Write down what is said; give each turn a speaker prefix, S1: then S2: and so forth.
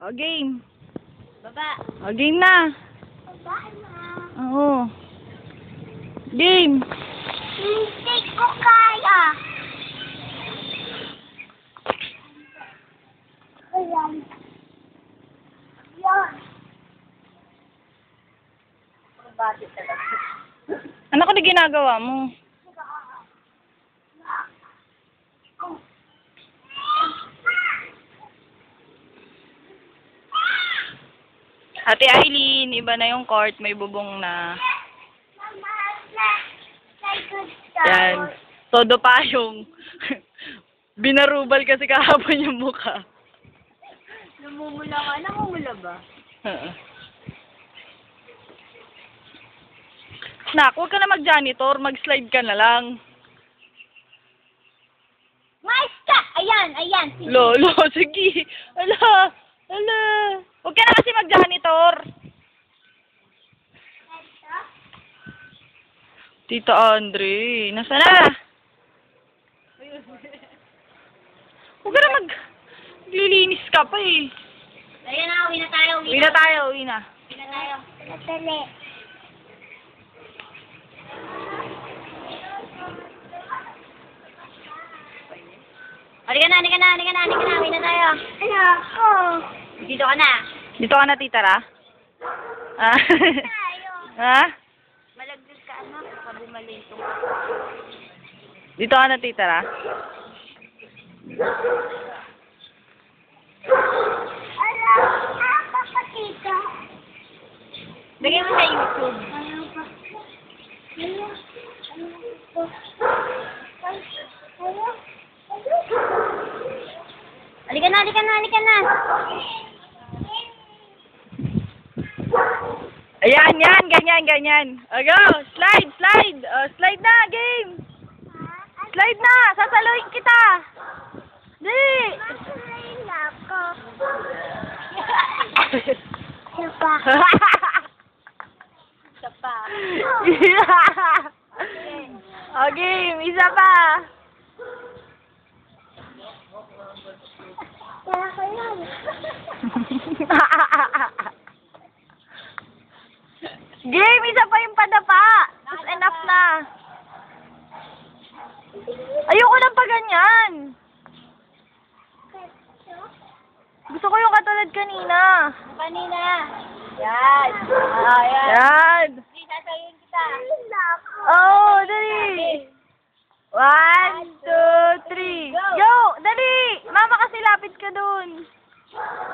S1: O, game.
S2: Baba.
S1: O, game na.
S2: Baba na.
S1: Oo. Game.
S2: Hindi ko kaya. Ayan. Yan. Bakit talaga?
S1: Ano ka na ginagawa mo? Ate Aileen, iba na yung court, may bubong na. Yan. Todo pa yung binarubal kasi kahapon yung mukha.
S2: Namumula ka. Namumula ba?
S1: Nak, huwag ka na mag-janitor, mag-slide ka na lang.
S2: Mais ka! Ayan, ayan.
S1: Lolo, sige. Ala, ala. Huwag ka na kasi mag-janitor. Tita Andre, nasa na? Huwag ka na maglilinis ka pa eh.
S2: Ayan na, uwi na tayo.
S1: Uwi na tayo, uwi na.
S2: Uwi na tayo. Natali. Halika na, halika na, halika na, halika na. Uwi na tayo. Ano ako? Dito ka na.
S1: Dito ka na, Tita Ra? Ah?
S2: Tayo.
S1: Ha?
S2: Malagdas ka, anak. Pabumalito.
S1: Dito ka na, Tita Ra?
S2: Papatita. Bigyan mo sa YouTube. Halika na, halika na, halika na.
S1: Ayan, yan, ganyan, ganyan. O, go! Slide, slide! O, slide na, game! Slide na! Sasaluhin kita! Di!
S2: Masalayin ako. Isa pa. Isa pa.
S1: O, game! Isa pa!
S2: Kaya ko yan.
S1: Game! Isa pa yung padapa! Tapos enough na! Ayoko lang pa ganyan! Gusto ko yung katulad kanina.
S2: Kanina. Yan. Yan.
S1: Yan!
S2: Hindi, sasayin kita.
S1: Oh, dali! 1, 2, 3. Go! Dali! Mama kasi lapit ka dun.